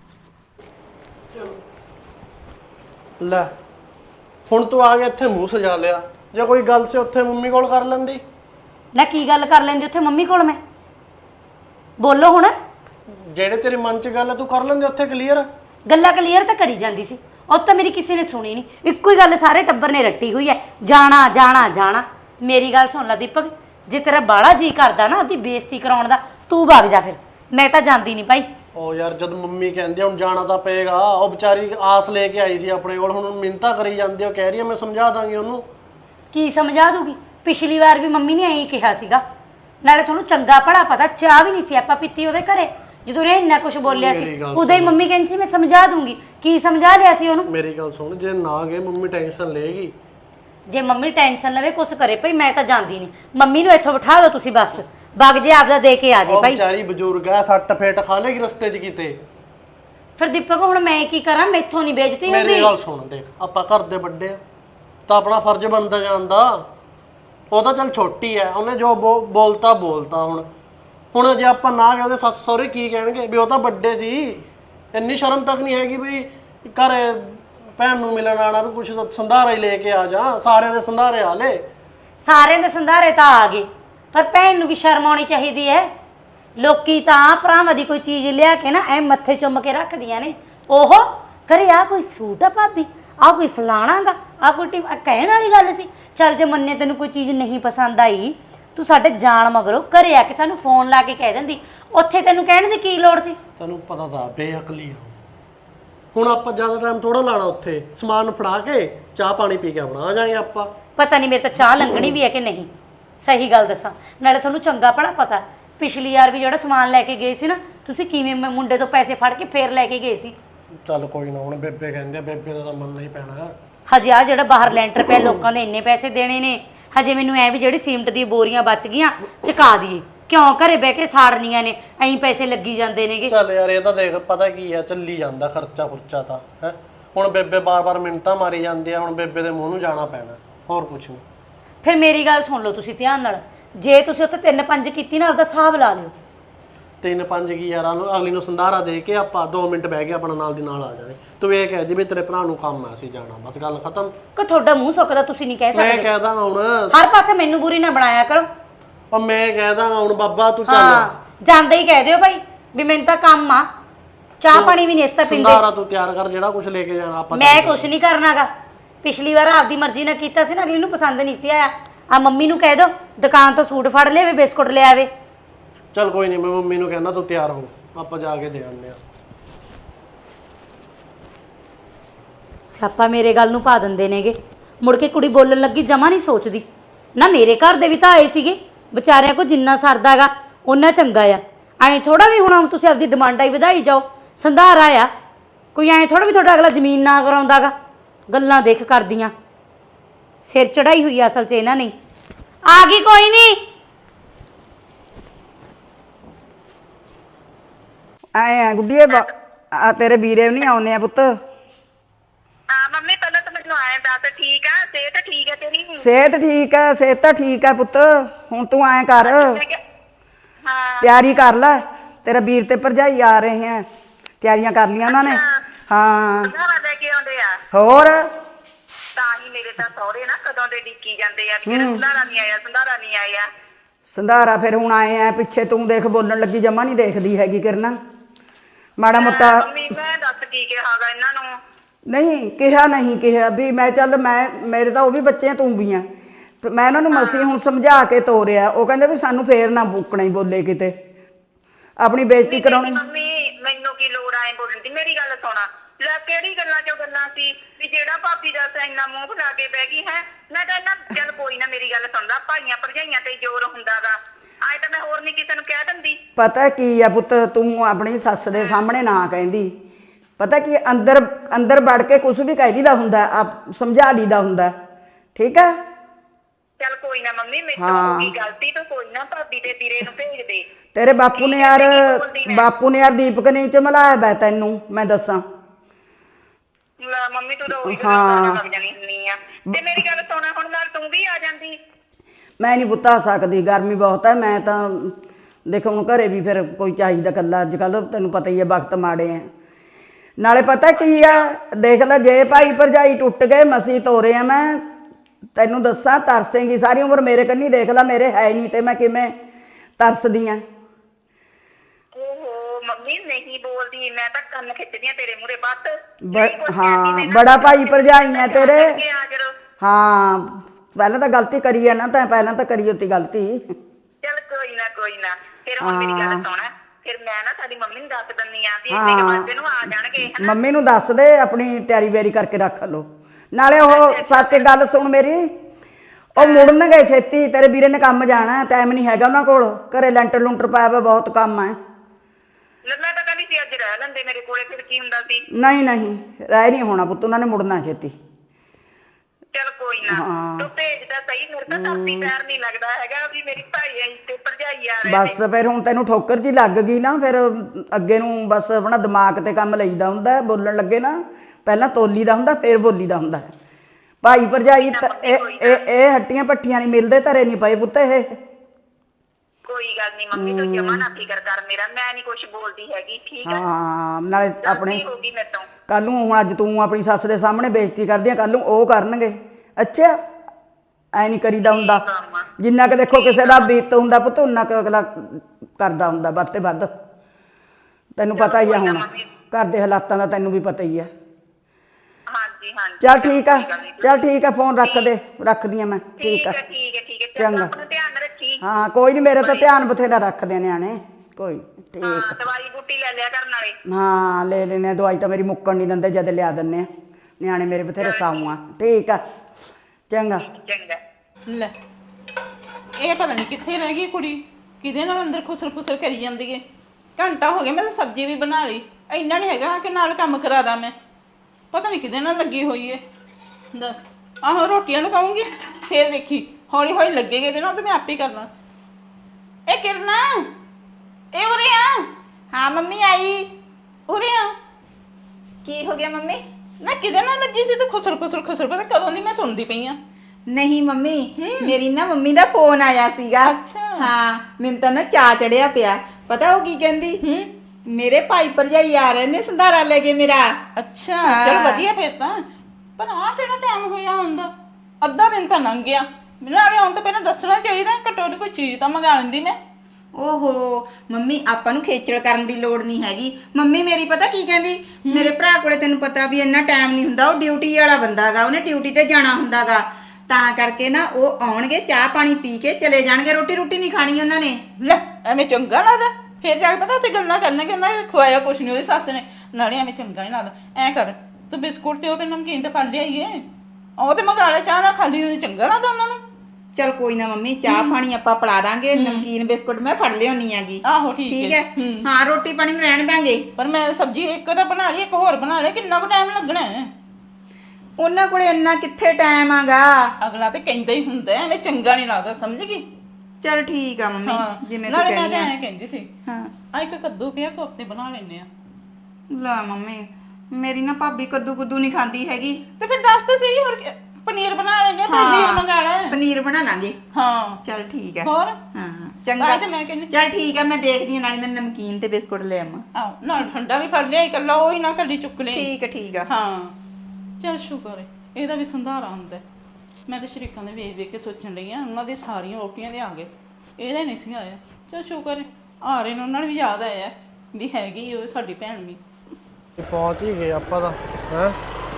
S2: ਲੈ ਹੁਣ ਤੂੰ ਆ ਗਿਆ ਇੱਥੇ ਮੂੰਹ ਸਜਾ ਲਿਆ। ਜੇ ਕੋਈ ਗੱਲ ਸੀ ਉੱਥੇ ਮੰਮੀ ਕੋਲ ਕਰ ਲੈਂਦੀ
S3: ਨਾ। ਕੀ ਗੱਲ ਕਰ ਲੈਂਦੀ ਉੱਥੇ ਮੰਮੀ ਕੋਲ? ਮੈਂ ਬੋਲੋ ਹੁਣ।
S2: ਜਿਹੜੇ ਤੇਰੇ ਮਨ 'ਚ ਗੱਲ ਹੈ ਤੂੰ ਕਰ ਲੈਂਦੀ ਉੱਥੇ ਕਲੀਅਰ।
S3: ਗੱਲਾਂ ਕਲੀਅਰ ਤਾਂ ਕਰੀ ਜਾਂਦੀ ਸੀ, ਉਹ ਤਾਂ ਮੇਰੀ ਕਿਸੇ ਨੇ ਸੁਣੀ ਨਹੀਂ। ਇੱਕੋ ਹੀ ਗੱਲ ਸਾਰੇ ਟੱਬਰ ਨੇ ਰੱਟੀ ਹੋਈ ਹੈ, ਜਾਣਾ ਜਾਣਾ ਜਾਣਾ। ਮੇਰੀ ਗੱਲ ਸੁਣ ਲੈ ਦੀਪਕ, ਜੇ ਤੇਰਾ ਬਾਲਾ ਜੀ ਕਰਦਾ ਨਾ ਉਹਦੀ ਬੇਇੱਜ਼ਤੀ ਕਰਾਉਣ ਦਾ, ਤੂੰ ਵਗ ਜਾ। ਫਿਰ ਮੈਂ ਤਾਂ ਜਾਂਦੀ ਨਹੀਂ ਭਾਈ।
S2: ਉਹ ਯਾਰ ਜਦ ਮੰਮੀ ਕਹਿੰਦੀ ਹੁਣ ਜਾਣਾ ਤਾਂ ਪਏਗਾ। ਉਹ ਵਿਚਾਰੀ ਆਸ ਲੈ ਕੇ ਆਈ ਸੀ ਆਪਣੇ ਕੋਲ, ਹੁਣ ਮਿੰਤਾ ਕਰੀ ਜਾਂਦੀ। ਉਹ ਕਹਿ ਰਹੀ ਹੈ ਮੈਂ ਸਮਝਾ ਦਾਂਗੀ ਉਹਨੂੰ।
S3: ਕੀ ਸਮਝਾ ਦੂਗੀ? ਪਿਛਲੀ ਵਾਰ ਵੀ ਮੰਮੀ ਨੇ ਐਂ ਕਿਹਾ ਸੀਗਾ। ਨਾਲੇ ਤੁਹਾਨੂੰ ਚੰਗਾ ਭਲਾ ਪਤਾ, ਚਾਹ ਵੀ ਨਹੀਂ ਸੀ ਆਪਾਂ ਪੀਤੀ ਉਹਦੇ ਘਰੇ ਜਦੋਂ ਇਹ ਇੰਨਾ ਕੁਝ ਬੋਲਿਆ ਸੀ। ਉਦੋਂ ਹੀ ਮੰਮੀ ਕਹਿੰਦੀ ਸੀ ਮੈਂ ਸਮਝਾ ਦੂੰਗੀ। ਕੀ ਸਮਝਾ ਲਿਆ ਸੀ ਉਹਨੂੰ?
S2: ਮੇਰੀ ਗੱਲ ਸੁਣ, ਜੇ ਨਾ ਗਏ ਮੰਮੀ ਟੈਨਸ਼ਨ ਲਏਗੀ।
S3: ਜੇ ਮੰਮੀ ਟੈਨਸ਼ਨ ਲਵੇ ਕੁਛ ਕਰੇ ਭਾਈ ਮੈਂ ਤਾਂ ਜਾਂਦੀ ਨਹੀਂ। ਮੰਮੀ ਨੂੰ ਇੱਥੋਂ ਬਿਠਾ ਦਿਓ ਤੁਸੀਂ ਬੱਸ 'ਚ, ਵਗ ਜੇ ਆਪਦਾ ਦੇ ਕੇ ਆ ਜੇ
S2: ਉਹ
S3: ਭਾਈ।
S2: ਵਿਚਾਰੀ ਬਜ਼ੁਰਗ ਆ, ਸੱਟ ਫੇਟ ਖਾ ਲੇਗੀ ਰਸਤੇ 'ਚ ਕਿਤੇ।
S3: ਫਿਰ ਦੀਪਕ ਹੁਣ ਮੈਂ ਕੀ ਕਰਾਂ, ਮੈਥੋਂ ਨਹੀਂ ਬੇਇੱਜ਼ਤੀ
S2: ਮੇਰੀ
S3: ਹੁੰਦੀ।
S2: ਗੱਲ ਸੁਣ, ਦੇਖ ਆਪਾਂ ਘਰ ਦੇ ਵੱਡੇ ਆ ਤਾਂ ਆਪਣਾ ਫਰਜ਼ ਬਣਦਾ ਜਾਂਦਾ। ਉਹ ਤਾਂ ਚੱਲ ਛੋਟੀ ਐ, ਉਹਨੇ ਜੋ ਬੋਲਤਾ ਹੁਣ ਜੇ ਆਪਾਂ ਨਾ ਕਹੇ ਉਹਦੇ ਸੱਸ ਸਹੁਰੇ ਕੀ ਕਹਿਣਗੇ ਵੀ ਉਹ ਤਾਂ ਵੱਡੇ ਸੀ। ਇੰਨੀ ਸ਼ਰਮ ਤੱਕ ਨਹੀਂ ਹੈਗੀ ਵੀ ਘਰੇ ਭੈਣ ਨੂੰ ਮਿਲਣ ਆਣਾ, ਵੀ ਕੁਛ ਸੰਧਾਰਾ ਹੀ ਲੈ ਕੇ ਆ ਜਾ। ਸਾਰਿਆਂ ਦੇ ਸੰਧਾਰੇ ਆ ਲੈ।
S3: ਸਾਰਿਆਂ ਦੇ ਸੰਧਾਰੇ ਤਾਂ ਆ ਗਏ, ਪਰ ਭੈਣ ਨੂੰ ਵੀ ਸ਼ਰਮ ਆਉਣੀ ਚਾਹੀਦੀ ਹੈ। ਲੋਕੀ ਤਾਂ ਭਰਾਵਾਂ ਦੀ ਕੋਈ ਚੀਜ਼ ਲਿਆ ਕੇ ਨਾ ਐ ਮੱਥੇ ਚੁੰਮ ਕੇ ਰੱਖਦੀਆਂ ਨੇ। ਉਹ ਕਰੇ ਆ ਕੋਈ ਸੂਟ ਆ ਭਾਬੀ, ਆ ਕੋਈ ਫਲਾਣਾ ਗਾ, ਆ ਕੋਈ ਕਹਿਣ ਵਾਲੀ ਗੱਲ ਸੀ। ਚੱਲ ਜੇ ਮੰਨੇ ਤੈਨੂੰ ਕੋਈ ਚੀਜ਼ ਨਹੀਂ ਪਸੰਦ ਆਈ, ਤੂੰ ਸਾਡੇ ਜਾਣ ਮਗਰੋਂ ਘਰੇ ਆ ਕੇ ਸਾਨੂੰ ਫੋਨ ਲਾ ਕੇ ਕਹਿ ਦਿੰਦੀ। ਉੱਥੇ ਤੈਨੂੰ ਕਹਿਣ ਦੀ ਕੀ ਲੋੜ ਸੀ?
S2: ਤੈਨੂੰ ਪਤਾ ਤਾਂ ਬੇਅਕਲੀ ਆ। ਹੁਣ ਆਪਾਂ ਜ਼ਿਆਦਾ ਟਾਈਮ ਥੋੜਾ ਲਾਣਾ ਉੱਥੇ, ਸਮਾਨ ਫੜਾ ਕੇ ਚਾਹ ਪਾਣੀ ਪੀ ਕੇ ਆਪਣਾ ਆ ਜਾਏਂਗੇ ਆਪਾਂ।
S3: ਪਤਾ ਨਹੀਂ ਮੇਰੇ ਤਾਂ ਚਾਹ ਲੰਘਣੀ ਵੀ ਹੈ ਕਿ ਨਹੀਂ। ਸਹੀ ਗੱਲ ਦੱਸਾਂ, ਨਾਲੇ ਤੁਹਾਨੂੰ ਚੰਗਾ ਭਲਾ ਪਤਾ ਪਿਛਲੀ ਵਾਰ ਵੀ ਜਿਹੜਾ ਸਮਾਨ ਲੈ ਕੇ ਗਏ ਸੀ ਨਾ ਤੁਸੀਂ, ਕਿਵੇਂ ਮੁੰਡੇ ਤੋਂ ਪੈਸੇ ਫੜ ਕੇ ਫੇਰ ਲੈ ਕੇ ਗਏ ਸੀ।
S2: ਚੱਲ ਕੋਈ ਨਾ, ਹੁਣ ਬੇਬੇ ਕਹਿੰਦੇ ਆ, ਬੇਬੇ ਦਾ ਤਾਂ ਮੰਨਣਾ ਹੀ ਪੈਣਾ।
S3: ਹਜੇ ਆ ਜਿਹੜਾ ਬਾਹਰ ਲੈਂਟਰ ਪਿਆ, ਲੋਕਾਂ ਦੇ ਇੰਨੇ ਪੈਸੇ ਦੇਣੇ ਨੇ। ਹਜੇ ਮੈਨੂੰ ਐ ਵੀ ਜਿਹੜੀ ਸੀਮਟ ਦੀ ਬੋਰੀਆਂ ਬਚ ਗਈਆਂ ਚੁਕਾ ਦਈਏ। ਕਿਉਂ ਘਰੇ ਬਹਿ ਕੇ ਸਾੜਨੀਆਂ ਨੇ, ਐਂ ਪੈਸੇ ਲੱਗੀ ਜਾਂਦੇ ਨੇਗੇ।
S2: ਚੱਲ ਯਾਰ ਇਹ ਤਾਂ ਦੇਖ ਪਤਾ ਕੀ ਆ, ਚੱਲੀ ਜਾਂਦਾ ਖਰਚਾ ਖੁਰਚਾ ਤਾਂ ਹੈ। ਹੁਣ ਬੇਬੇ ਬਾਰ-ਬਾਰ ਮਿੰਟਾਂ ਮਾਰੀ ਜਾਂਦੀ ਆ, ਹੁਣ ਬੇਬੇ ਦੇ ਮੂੰਹ ਨੂੰ ਜਾਣਾ ਪੈਣਾ, ਹੋਰ ਕੁਛ ਨਹੀਂ।
S3: ਫਿਰ ਮੇਰੀ ਗੱਲ ਸੁਣ ਲਓ ਤੁਸੀਂ ਧਿਆਨ ਨਾਲ, ਜੇ ਤੁਸੀਂ ਉੱਥੇ 3-5 ਕੀਤੀ ਨਾ, ਆਪਦਾ ਹਿਸਾਬ ਲਾ ਲਿਓ।
S2: 3-5 ਕੀ ਯਾਰ, ਅਗਲੀ ਨੂੰ ਸੰਧਾਰਾ ਦੇ ਕੇ ਆਪਾਂ 2 ਮਿੰਟ ਬਹਿ ਕੇ ਆਪਣਾ ਨਾਲ ਦੀ ਨਾਲ ਆ ਜਾਣੇ। ਤੂੰ ਇਹ ਕਹਿ ਜਿਵੇਂ ਤੇਰੇ ਭਰਾ ਨੂੰ ਕੰਮ ਆ, ਅਸੀਂ ਜਾਣਾ, ਬਸ ਗੱਲ ਖਤਮ।
S3: ਕਿ ਤੁਹਾਡਾ ਮੂੰਹ ਸੁੱਕਦਾ, ਤੁਸੀਂ ਨਹੀਂ ਕਹਿ
S2: ਮੈਂ
S3: ਸਕਦੇ।
S2: ਕਹਿਦਾ ਹੁਣ
S3: ਹਰ ਪਾਸੇ ਮੈਨੂੰ ਬੁਰੀ ਨਾ ਬਣਾਇਆ ਕਰੋ।
S2: ਉਹ ਮੈਂ ਕਹਿਦਾ ਹੁਣ ਬਾਬਾ ਤੂੰ ਚੱਲ।
S3: ਹਾਂ, ਜਾਂਦੇ ਹੀ ਕਹਿ ਦਿਓ ਭਾਈ ਵੀ ਮੈਨੂੰ ਤਾਂ ਕੰਮ ਆ, ਚਾਹ ਪਾਣੀ ਵੀ ਨਹੀਂ ਇਸ ਤਾਂ ਪੀਂਦੇ।
S2: ਸੰਧਾਰਾ ਤੂੰ ਤਿਆਰ ਕਰ, ਜਿਹੜਾ ਕੁਝ ਲੈ ਕੇ ਜਾਣਾ ਆਪਾਂ।
S3: ਮੈਂ ਕੁਛ ਨਹੀਂ ਕਰਨਾਗਾ। ਪਿਛਲੀ ਵਾਰ ਆਪਦੀ ਮਰਜ਼ੀ ਨਾਲ ਕੀਤਾ ਸੀ ਨਾ, ਅਗਲੀ ਨੂੰ ਪਸੰਦ ਨਹੀਂ ਸੀ ਆਇਆ। ਆ ਮੰਮੀ ਨੂੰ ਕਹਿ ਦੋ ਦੁਕਾਨ ਤੋਂ ਸੂਟ ਫੜ ਲਿਆਵੇ, ਬਿਸਕੁਟ ਲੈ ਆਵੇ।
S2: ਚੱਲ ਕੋਈ ਨਹੀਂ, ਮੈਂ ਮੰਮੀ ਨੂੰ ਕਹਿਣਾ ਤੂੰ ਤਿਆਰ ਹੋ, ਆਪਾਂ ਜਾ ਕੇ ਦੇ ਆਉਂਦੇ ਆ।
S3: ਸਿਆਪਾ ਮੇਰੇ ਗੱਲ ਨੂੰ ਪਾ ਦਿੰਦੇ ਨੇਗੇ। ਮੁੜ ਕੇ ਕੁੜੀ ਬੋਲਣ ਲੱਗੀ ਜਮਾ ਨਹੀਂ ਸੋਚਦੀ ਨਾ। ਮੇਰੇ ਘਰ ਦੇ ਵੀ ਤਾਂ ਆਏ ਸੀਗੇ, ਵਿਚਾਰਿਆਂ ਕੋ ਜਿੰਨਾ ਸਰਦਾਗਾ ਉਹਨਾਂ ਚੰਗਾ ਆ। ਐਂ ਥੋੜਾ ਵੀ ਹੁਣ ਤੁਸੀਂ ਆਪਦੀ ਡਿਮਾਂਡਾਂ ਹੀ ਵਧਾਈ ਜਾਓ। ਸੰਧਾਰਾ ਆ ਕੋਈ, ਐਂ ਥੋੜਾ ਵੀ ਤੁਹਾਡਾ ਅਗਲਾ ਜ਼ਮੀਨ ਨਾ ਕਰਾਉਂਦਾਗਾ। ਗੱਲਾਂ ਦੇਖ ਕਰਦੀਆਂ, ਸਿਰ ਚੜਾਈ ਹੋਈ ਅਸਲ 'ਚ ਇਹਨਾਂ ਨੇ। ਆ ਗਈ, ਕੋਈ ਨਹੀਂ।
S1: ਆਏ ਆ ਗੁੱਡੀਏ, ਆ ਤੇਰੇ ਵੀਰੇ ਨਹੀਂ ਆਉਨੇ ਆ ਪੁੱਤ।
S4: ਹਾਂ ਮੰਮੀ, ਪਹਿਲਾਂ ਤਾਂ ਮੈਨੂੰ ਆਇਆ ਦੱਸ, ਠੀਕ ਆ ਸਿਹਤ? ਠੀਕ ਆ ਤੇਰੀ?
S1: ਸਿਹਤ ਠੀਕ ਹੈ, ਸਿਹਤ ਤਾਂ ਠੀਕ ਹੈ ਪੁੱਤ। ਹੁਣ ਤੂੰ ਐਂ ਕਰ,
S4: ਹਾਂ
S1: ਤਿਆਰੀ ਕਰ ਲੈ, ਤੇਰਾ ਵੀਰ ਤੇ ਭਰਜਾਈ ਆ ਰਹੇ ਹੈ, ਤਿਆਰੀਆਂ ਕਰ ਲੀਆਂ ਉਹਨਾਂ ਨੇ। ਹਾਂ
S4: ਸੰਧਾਰਾ ਲੈ ਕੇ ਆਉਂਦੇ ਆ,
S1: ਹੋਰ
S4: ਤਾਂ ਹੀ ਮੇਰੇ ਤਾਂ ਸਹੁਰੇ ਨਾ ਕਦੋਂ ਦੇ ਡਿੱਕੀ ਜਾਂਦੇ ਆ ਵੀ ਮੇਰਾ ਸੰਧਾਰਾ ਨਹੀਂ ਆਇਆ, ਸੰਧਾਰਾ ਨਹੀਂ ਆਇਆ।
S1: ਸੰਧਾਰਾ ਫਿਰ ਹੁਣ ਆਏ ਆ ਪਿੱਛੇ, ਤੂੰ ਦੇਖ ਬੋਲਣ ਲੱਗੀ ਜਮਾ ਨਹੀਂ ਦੇਖਦੀ ਹੈਗੀ ਕਿਰਨਾ। ਮਾੜਾ ਮੋਟਾ
S4: ਮੰਮੀ ਮੈਂ ਦੱਸ ਕੀ ਕਿਹਾਗਾ ਇਹਨਾਂ ਨੂੰ?
S1: ਨਹੀਂ ਕਿਹਾ ਵੀ ਮੈਂ ਚੱਲ, ਮੈਂ ਮੇਰੇ ਤਾਂ ਉਹ ਵੀ ਬੱਚੇ ਆ, ਤੂੰ ਵੀ ਆ। ਮੈਂ ਉਹਨਾਂ ਨੂੰ ਮਸੀਂ ਹੁਣ ਸਮਝਾ ਕੇ ਤੋਰਿਆ। ਉਹ ਕਹਿੰਦੇ ਵੀ ਸਾਨੂੰ ਫੇਰ ਨਾ ਬੁੱਕਣਾ ਹੀ ਬੋਲੇ ਕਿਤੇ, ਆਪਣੀ ਬੇਇੱਜ਼ਤੀ ਕਰਾਉਣੀ।
S4: ਮੰਮੀ ਮੈਨੂੰ ਕੀ ਲੋੜ ਆਏ ਬੋਲਣ ਦੀ? ਮੇਰੀ ਗੱਲ ਸੁਣਾ, ਲੈ ਕਿਹੜੀ ਗੱਲਾਂ ਚੋਂ ਗੱਲਾਂ ਸੀ ਵੀ ਜਿਹੜਾ ਭਾਬੀ ਦਾ ਇੰਨਾ ਮੂੰਹ ਫੁਲਾ ਕੇ ਬਹਿ ਗਈ ਹੈ। ਮੈਂ ਤਾਂ ਇਹਨਾਂ ਚੱਲ ਕੋਈ ਨਾ, ਮੇਰੀ ਗੱਲ ਸੁਣਦਾ, ਭਾਈਆਂ ਭਰਜਾਈਆਂ ਤੇ ਜ਼ੋਰ ਹੁੰਦਾਗਾ। ਆਏ ਤਾਂ ਮੈਂ ਹੋਰ ਨਹੀਂ ਕਿਸੇ ਨੂੰ ਕਹਿ ਦਿੰਦੀ।
S1: ਪਤਾ ਕੀ ਆ ਪੁੱਤ, ਤੂੰ ਆਪਣੀ ਸੱਸ ਦੇ ਸਾਹਮਣੇ ਨਾ ਕਹਿੰਦੀ। ਪਤਾ ਕੀ, ਅੰਦਰ ਵੜ ਕੇ ਕੁਝ ਵੀ ਕਹਿ ਦੀਦਾ ਹੁੰਦਾ, ਆਪ ਸਮਝਾ ਲਈਦਾ ਹੁੰਦਾ, ਠੀਕ ਆ?
S4: ਚੱਲ ਕੋਈ ਨਾ ਮੰਮੀ, ਮੇਰੇ ਤੋਂ ਹੋ ਗਈ ਗਲਤੀ, ਤਾਂ ਕੋਈ ਨਾ ਭਾਬੀ ਤੇ ਵੀਰੇ ਨੂੰ ਭੇਜ ਦੇ।
S1: ਤੇਰੇ ਬਾਪੂ ਨੇ ਯਾਰ ਦੀਪਕ ਨੇ ਚਮਲਾਇਆ ਬੈ ਤੈਨੂੰ, ਮੈਂ ਦੱਸਾਂ।
S4: ਲੈ ਮੰਮੀ, ਤੂੰ ਤਾਂ ਉਹੀ ਗੱਲਾਂ ਲੱਗ ਜਾਣੀ ਹੁੰਨੀ ਆ। ਤੇ ਮੇਰੀ ਗੱਲ ਸੁਣਾ, ਹੁਣ ਨਾਲ ਤੂੰ ਵੀ ਆ ਜਾਂਦੀ।
S1: ਮੈਂ ਨਹੀਂ ਪੁੱਤ ਆ ਸਕਦੀ, ਗਰਮੀ ਬਹੁਤ ਹੈ। ਮੈਂ ਤਾਂ ਦੇਖੋ ਹੁਣ ਘਰੇ ਵੀ ਫਿਰ ਕੋਈ ਚਾਹੀਦਾ ਕੱਲਾ, ਅੱਜ ਕੱਲ ਤੈਨੂੰ ਪਤਾ ਹੀ ਹੈ ਵਕਤ ਮਾੜੇ ਆ। ਨਾਲੇ ਪਤਾ ਕੀ ਆ, ਦੇਖ ਲੈ ਜੇ ਭਾਈ ਭਰਜਾਈ ਟੁੱਟ ਗਏ, ਮਸੀਂ ਤੋਰੇ ਆ। ਮੈਂ ਤੈਨੂੰ ਦੱਸਾਂ, ਤਰਸੇਂਗੀ ਸਾਰੀ ਉਮਰ। ਮੇਰੇ ਕੰਨੀ ਦੇਖ ਲੈ, ਮੇਰੇ ਹੈ ਨਹੀਂ ਤੇ ਮੈਂ ਕਿਵੇਂ ਤਰਸਦੀ ਆ।
S4: ਓਹੋ ਮੰਮੀ, ਨਹੀਂ ਬੋਲਦੀ, ਮੈਂ ਤਾਂ ਕੰਨ ਖਿੱਚਦੀ ਆ ਤੇਰੇ ਮੂਹਰੇ ਬੱਤ।
S1: ਹਾਂ ਬੜਾ ਭਾਈ ਭਰਜਾਈ ਆ ਤੇਰੇ। ਹਾਂ ਪਹਿਲਾਂ ਤਾਂ ਗਲਤੀ ਕਰੀ ਆ ਨਾ, ਤਾਂ ਪਹਿਲਾਂ ਤਾਂ ਕਰੀ ਉੱਤੀ ਗਲਤੀ।
S4: ਚੱਲ ਕੋਈ ਨਾ ਫਿਰ ਹੁਣ ਮੇਰੀ ਗੱਲ ਸੁਣ, ਫਿਰ ਮੈਂ ਨਾ ਸਾਡੀ ਮੰਮੀ ਨੂੰ ਦੱਸ ਦਿੰਨੀ ਆ ਵੀ ਇੰਨੇ ਬੰਦੇ ਨੂੰ ਆ ਜਾਣਗੇ।
S1: ਮੰਮੀ ਨੂੰ ਦੱਸ ਦੇ, ਆਪਣੀ ਤਿਆਰੀ ਵੇਰੀ ਕਰਕੇ ਰੱਖ ਲਓ। ਨਾਲੇ ਉਹ ਸੱਚ ਗੱਲ ਸੁਣ ਮੇਰੀ, ਉਹ ਮੁੜਨਗੇ ਛੇਤੀ, ਤੇਰੇ ਵੀਰੇ ਨੇ ਕੰਮ ਜਾਣਾ, ਟਾਈਮ ਨਹੀਂ ਹੈਗਾ ਉਹਨਾਂ ਕੋਲ। ਘਰੇ ਲੈਂਟਰ ਲੂੰਟਰ ਪਾਇਆ ਵਾ, ਬਹੁਤ ਕੰਮ ਹੈ।
S4: ਮੈਂ ਤਾਂ ਕਹਿੰਦੀ ਸੀ ਅੱਜ ਰਹਿ ਲੈਂਦੇ ਮੇਰੇ ਕੋਲੇ, ਫਿਰ ਕੀ ਹੁੰਦਾ ਸੀ।
S1: ਨਹੀਂ ਰਹਿ ਨਹੀਂ ਹੋਣਾ ਪੁੱਤ, ਉਹਨਾਂ ਨੇ ਮੁੜਨਾ ਛੇਤੀ।
S4: ਚਲ ਕੋਈ ਨਾ
S1: ਹਾਂ।
S4: ਤੂੰ ਭੇਜਦਾ ਸਹੀ, ਮੇਰੇ ਤਾਂ ਧਰਤੀ ਪੈਰ ਨਹੀਂ ਲੱਗਦਾ ਹੈਗਾ ਵੀ ਮੇਰੀ ਭਾਈ ਆਈ ਤੇ ਭਰਜਾਈ ਆ ਰਹੇ
S1: ਬਸ ਫਿਰ ਹੁਣ ਤੈਨੂੰ ਠੋਕਰ ਜੀ ਲੱਗ ਗਈ ਨਾ, ਫਿਰ ਅੱਗੇ ਨੂੰ ਬਸ ਆਪਣਾ ਦਿਮਾਗ ਤੇ ਕੰਮ ਲਈਦਾ ਹੁੰਦਾ ਹੈ। ਬੋਲਣ ਲੱਗੇ ਨਾ ਪਹਿਲਾਂ ਤੋਲੀ ਦਾ ਹੁੰਦਾ, ਫਿਰ ਬੋਲੀ ਦਾ ਹੁੰਦਾ ਹੈ। ਭਾਈ ਭਰਜਾਈ ਇਹ ਹੱਟੀਆਂ ਪੱਠੀਆਂ ਨਹੀਂ ਮਿਲਦੇ, ਧਰੇ ਨਹੀਂ ਪਏ ਪੁੱਤ ਇਹ।
S4: ਕੋਈ ਗੱਲ ਨਹੀਂ ਮੰਮੀ, ਤੂੰ ਜਮਾ ਨਾ ਫਿਕਰ ਕਰ ਮੇਰਾ, ਮੈਂ ਨਹੀਂ ਕੁਝ ਬੋਲਦੀ ਹੈਗੀ, ਠੀਕ ਹੈ?
S1: ਹਾਂ ਨਾਲੇ ਆਪਣੇ
S4: ਗਲਤੀ ਹੋ ਗਈ ਮੇਰੇ ਤੋਂ।
S1: ਕੱਲ ਨੂੰ ਹੁਣ ਅੱਜ ਤੂੰ ਆਪਣੀ ਸੱਸ ਦੇ ਸਾਹਮਣੇ ਬੇਇੱਜ਼ਤੀ ਕਰਦੀ ਆ, ਕੱਲ ਨੂੰ ਉਹ ਕਰਨਗੇ। ਅੱਛਾ ਐ ਨਹੀਂ ਕਰੀਦਾ ਹੁੰਦਾ। ਜਿੰਨਾ ਕਿ ਦੇਖੋ ਕਿਸੇ ਦਾ ਬੀਤ ਹੁੰਦਾ ਪੁੱਤ, ਉਨਾ ਕੁ ਅਗਲਾ ਕਰਦਾ ਹੁੰਦਾ ਵੱਧ ਤੇ ਵੱਧ। ਤੈਨੂੰ ਪਤਾ ਹੀ ਆ ਹੁਣ ਘਰ ਦੇ ਹਾਲਾਤਾਂ ਦਾ, ਤੈਨੂੰ ਵੀ ਪਤਾ ਹੀ ਆ।
S4: ਹਾਂਜੀ ਹਾਂਜੀ
S1: ਚੱਲ ਠੀਕ ਆ, ਚੱਲ ਠੀਕ ਆ, ਫੋਨ ਰੱਖਦੀ ਆ ਮੈਂ। ਠੀਕ ਆ,
S4: ਠੀਕ ਹੈ
S1: ਚੰਗਾ।
S4: ਆਪਣਾ ਧਿਆਨ ਰੱਖੀ।
S1: ਹਾਂ ਕੋਈ ਨਹੀਂ, ਮੇਰੇ ਤਾਂ ਧਿਆਨ ਬਥੇਰਾ ਰੱਖਦੇ ਨਿਆਣੇ। ਕੋਈ ਠੀਕ
S4: ਹਾਂ
S1: ਆ।
S4: ਦਵਾਈ ਬੂਟੀ ਲੈ ਲਿਆ ਕਰਨ ਵਾਲੇ।
S1: ਹਾਂ ਲੈ ਲੈਨੇ ਆ ਦਵਾਈ, ਤਾਂ ਮੇਰੀ ਮੁੱਕਣ ਨਹੀਂ ਦਿੰਦੇ, ਜਦ ਲਿਆ ਦਿੰਨੇ ਆ। ਨਿਆਣੇ ਮੇਰੇ ਬਥੇਰੇ ਸਾਊ ਆ। ਠੀਕ ਆ ਚੰਗਾ।
S4: ਚੰਗਾ।
S5: ਲੈ ਇਹ ਪਤਾ ਨਹੀਂ ਕਿੱਥੇ ਰਹਿ ਗਈ ਕੁੜੀ, ਕਿਹਦੇ ਨਾਲ ਅੰਦਰ ਖੁਸਰ ਖੁਸਰ ਕਰੀ ਜਾਂਦੀ ਏ। ਘੰਟਾ ਹੋ ਗਿਆ, ਮੈਂ ਤਾਂ ਸਬਜ਼ੀ ਵੀ ਬਣਾ ਲਈ, ਇੰਨਾ ਨਹੀਂ ਹੈਗਾ ਕਿ ਨਾਲ ਕੰਮ ਕਰਾ ਦਾਂ ਮੈਂ। ਪਤਾ ਨਹੀਂ ਕਿਹਦੇ ਨਾਲ ਲੱਗੀ ਹੋਈ ਏ। ਦੱਸ ਆਹੋ ਰੋਟੀਆਂ ਨੂੰ ਕਹੂੰਗੀ, ਫੇਰ ਵੇਖੀ ਹੌਲੀ ਹੌਲੀ ਲੱਗੇਗਾ ਇਹਦੇ ਨਾਲ, ਤਾਂ ਮੈਂ ਆਪੇ ਹੀ ਕਰਨਾ। ਇਹ ਕਿਰਨਾ, ਇਹ ਉਰੇ ਆ।
S6: ਹਾਂ ਮੰਮੀ ਆਈ।
S5: ਉਰੇ ਆ।
S6: ਕੀ ਹੋ ਗਿਆ ਮੰਮੀ?
S5: ਨਾ ਕਿਹਦੇ ਨਾਲ ਲੱਗੀ ਸੀ ਤੂੰ ਖੁਸਰ ਖੁਸਰ ਖੁਸਰ, ਪਤਾ ਕਦੋਂ ਦੀ ਮੈਂ ਸੁਣਦੀ ਪਈ ਆ।
S6: ਨਹੀਂ ਮੰਮੀ, ਮੇਰੀ ਨਾ ਮੰਮੀ ਦਾ ਫੋਨ ਆਇਆ ਸੀਗਾ।
S5: ਅੱਛਾ।
S6: ਹਾਂ ਮੈਨੂੰ ਤਾਂ ਨਾ ਚਾਅ ਚੜਿਆ ਪਿਆ। ਪਤਾ ਉਹ ਕੀ ਕਹਿੰਦੀ? ਮੇਰੇ ਭਾਈ ਭਰਜਾਈ ਆ ਰਹੇ ਨੇ, ਸੰਧਾਰਾ ਲੈ ਕੇ ਮੇਰਾ।
S5: ਅੱਛਾ ਚਲ ਵਧੀਆ ਫਿਰ ਤਾਂ। ਪਰ ਆਹ ਕਿਹੜਾ ਟਾਈਮ ਹੋਇਆ ਹੁੰਦਾ, ਅੱਧਾ ਦਿਨ ਤਾਂ ਲੰਘ ਗਿਆ। ਨਾਲੇ ਆਉਣ ਤੋਂ ਪਹਿਲਾਂ ਦੱਸਣਾ ਚਾਹੀਦਾ, ਘੱਟੋ ਘੱਟ ਕੋਈ ਚੀਜ਼ ਤਾਂ ਮੰਗਾ ਲੈਂਦੀ ਮੈਂ।
S6: ਓਹੋ ਮੰਮੀ, ਆਪਾਂ ਨੂੰ ਖੇਚਲ ਕਰਨ ਦੀ ਲੋੜ ਨਹੀਂ ਹੈਗੀ। ਮੰਮੀ ਮੇਰੀ ਪਤਾ ਕੀ ਕਹਿੰਦੀ? ਮੇਰੇ ਭਰਾ ਕੋਲੇ ਤੈਨੂੰ ਪਤਾ ਵੀ ਇੰਨਾ ਟਾਈਮ ਨਹੀਂ ਹੁੰਦਾ, ਉਹ ਡਿਊਟੀ ਵਾਲਾ ਬੰਦਾਗਾ, ਉਹਨੇ ਡਿਊਟੀ ਤੇ ਜਾਣਾ ਹੁੰਦਾਗਾ। ਤਾਂ ਕਰਕੇ ਨਾ ਉਹ ਆਉਣਗੇ, ਚਾਹ ਪਾਣੀ ਪੀ ਕੇ ਚਲੇ ਜਾਣਗੇ, ਰੋਟੀ ਨਹੀਂ ਖਾਣੀ ਉਹਨਾਂ ਨੇ।
S5: ਲੈ ਐਵੇਂ ਚੰਗਾ ਲੱਗਦਾ? ਫਿਰ ਜਾ ਕੇ ਪਤਾ ਉੱਥੇ ਗੱਲਾਂ ਕਰਨਗੇ, ਉਹਨਾਂ ਨੇ ਖਵਾਇਆ ਕੁਛ ਨਹੀਂ ਉਹਦੀ ਸੱਸ ਨੇ। ਨਾਲੇ ਐਵੇਂ ਚੰਗਾ ਨਹੀਂ ਲੱਗਦਾ। ਐਂ ਕਰ ਤੂੰ ਬਿਸਕੁਟ ਤੇ ਉਹ ਤੇ ਨਮਕੀਨ ਤੇ ਫੜ ਲਿਆਈਏ, ਉਹ ਤੇ ਮੰਗਾ ਲੈ, ਚਾਹ ਨਾਲ ਖਾਲੀ ਨੂੰ ਚੰਗਾ ਲੱਗਦਾ ਉਹਨਾਂ ਨੂੰ।
S6: ਚਲ ਕੋਈ ਨਾ ਮੰਮੀ, ਚਾਹ ਪਾਣੀ ਆਪਾਂ ਪੜਾ ਦਾਂਗੇ, ਨਮਕੀਨ ਬਿਸਕੁਟ ਮੈਂ ਫੜ ਲਿਆਉਣੀ ਆਗੀ।
S5: ਆਹੋ ਠੀਕ ਹੈ।
S6: ਹਾਂ ਰੋਟੀ ਪਾਣੀ ਨੂੰ ਰਹਿਣ ਦਾਂਗੇ।
S5: ਪਰ ਮੈਂ ਸਬਜ਼ੀ ਇੱਕ ਤਾਂ ਬਣਾ ਲਈ, ਇੱਕ ਹੋਰ ਬਣਾ ਲਿਆ, ਕਿੰਨਾ ਕੁ ਟਾਈਮ ਲੱਗਣਾ ਹੈ?
S6: ਉਹਨਾਂ ਕੋਲੇ ਇੰਨਾ ਕਿੱਥੇ ਟਾਈਮ ਆਗਾ।
S5: ਅਗਲਾ ਤੇ ਕਹਿੰਦਾ ਹੀ ਹੁੰਦਾ, ਐਵੇਂ ਚੰਗਾ ਨਹੀਂ ਲੱਗਦਾ, ਸਮਝ ਗਈ?
S6: ਚਲ ਠੀਕ ਆ ਮੰਮੀ, ਜਿਵੇਂ ਤੂੰ
S5: ਨਾਲੇ ਮੈਂ
S6: ਕਹਿੰਦੀ
S5: ਤਾਂ
S6: ਆ।
S5: ਐਂ ਕਹਿੰਦੀ ਸੀ,
S6: ਹਾਂ
S5: ਆ ਇੱਕ ਕੱਦੂ ਪਿਆ, ਕੋਫਤੇ ਬਣਾ ਲੈਨੇ ਆ।
S6: ਲੈ ਮੰਮੀ, ਮੇਰੀ ਨਾ ਭਾਬੀ ਕੱਦੂ ਕੁੱਦੂ ਨਹੀਂ ਖਾਂਦੀ ਹੈਗੀ।
S5: ਤੇ ਫਿਰ ਦੱਸ ਤਾਂ ਸਹੀ, ਹੋਰ ਪਨੀਰ ਬਣਾ ਲੈਨੇ ਆ, ਪਨੀਰ ਮੰਗਾ ਲੈ।
S6: ਪਨੀਰ ਬਣਾ ਲਾਂਗੇ।
S5: ਹਾਂ
S6: ਚਲ ਠੀਕ ਹੈ।
S5: ਹੋਰ
S6: ਹਾਂ ਚੰਗਾ।
S5: ਤਾਂ ਤੇ ਮੈਂ ਕਹਿੰਦੀ
S6: ਚਲ ਠੀਕ ਹੈ, ਮੈਂ ਦੇਖਦੀ ਹਾਂ, ਨਾਲੇ ਮੈਂ ਨਮਕੀਨ ਤੇ ਬਿਸਕੁਟ ਲੈ ਆਵਾਂ।
S5: ਆਹ ਨਾਲ ਠੰਡਾ ਵੀ ਫੜ ਲਿਆ, ਇਕੱਲਾ ਉਹ ਹੀ ਨਾ ਕੱਲੀ ਚੁੱਕ ਲਈ।
S6: ਠੀਕ ਆ।
S5: ਹਾਂ ਚਲ ਸ਼ੁਕਰ ਹੈ, ਇਹਦਾ ਵੀ ਸੰਧਾਰਾ ਹੁੰਦਾ। ਮੈਂ ਤਾਂ ਸ਼ਰੀਕਾਂ ਦੇ ਵੇਖ ਵੇਖ ਕੇ ਸੋਚਣ ਲਈ ਆ, ਉਹਨਾਂ ਦੀ ਸਾਰੀਆਂ ਰੋਟੀਆਂ ਦੇ ਆ ਗਏ, ਇਹਦਾ ਨਹੀਂ ਸੀ ਆਇਆ। ਚਲ ਸ਼ੁਕਰ ਹੈ, ਆ ਰਹੇ ਨੇ, ਉਹਨਾਂ ਨੂੰ ਵੀ ਯਾਦ ਆਇਆ ਵੀ ਹੈਗੀ ਉਹ ਸਾਡੀ ਭੈਣ ਵੀ।
S2: ਪਹੁੰਚ ਹੀ ਗਏ ਆਪਾਂ ਤਾਂ। ਹੈ